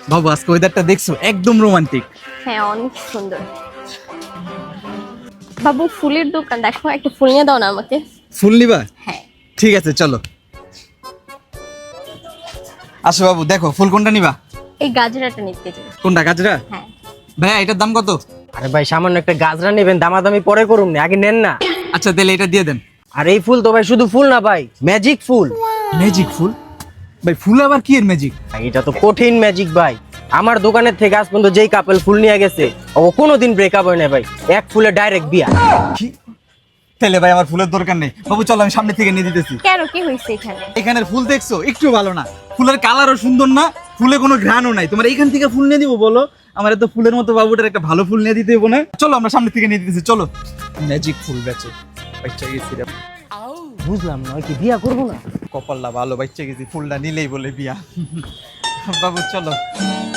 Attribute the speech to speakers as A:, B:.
A: বাবু আজকে ওয়েদারটা দেখছো একদম রোমান্টিক।
B: হ্যাঁ অনেক সুন্দর। বাবু ফুলের দোকান, দেখো একটা ফুল নিয়ে দাও না আমাকে।
A: ফুল নিবা?
B: হ্যাঁ।
A: ঠিক আছে চলো। আসো বাবু, দেখো ফুল কোনটা নিবা?
B: এই গাজরাটা নিতে চাই।
A: কোনটা, গাজরা?
B: হ্যাঁ।
A: ভাইয়া এটার দাম কত?
C: আরে ভাই সামান্য একটা গাজরা নেবেন, দামাদামি পরে করুন না, আগে নেন না।
A: আচ্ছা তাহলে এটা দিয়ে দেন।
C: আর এই ফুল তো ভাই শুধু ফুল না ভাই, ম্যাজিক ফুল।
A: ম্যাজিক ফুল? ভাই ফুল আবার কি এর ম্যাজিক?
C: ভাই, এটা তো কঠিন ম্যাজিক ভাই। আমার দোকানের থেকে আজ পর্যন্ত যেই কাপল ফুল নিয়ে গেছে ও কোনোদিন ব্রেকআপ হয় না ভাই, এক ফুলে ডাইরেক্ট বিয়া।
A: কি? তাহলে ভাই আমার ফুলের দরকার নেই বাবু, চলো আমি সামনে থেকে নিয়ে দিতেছি।
B: কেন, কি হয়েছে এখানে?
A: এখানের ফুল দেখছো একটু ভালো না, ফুলের কালারও সুন্দর না, ফুলে কোনো ঘ্রাণও নাই। তোমার এইখান থেকে ফুল নিয়ে দিব বলো? আমার এত ফুলের মতো বাবুটার একটা ভালো ফুল নিয়ে দিতে হবো না? চলো আমরা সামনে থেকে নিয়ে দিতেছি, চলো। ম্যাজিক ফুল বেচে বাচ্চা গেছি রে।
C: বুঝলাম না, ওই কি বিয়া করবো না?
A: কপালটা ভালো, বাচ্চা গেছি ফুলটা নিলেই বলে বিয়া। বাবু চলো।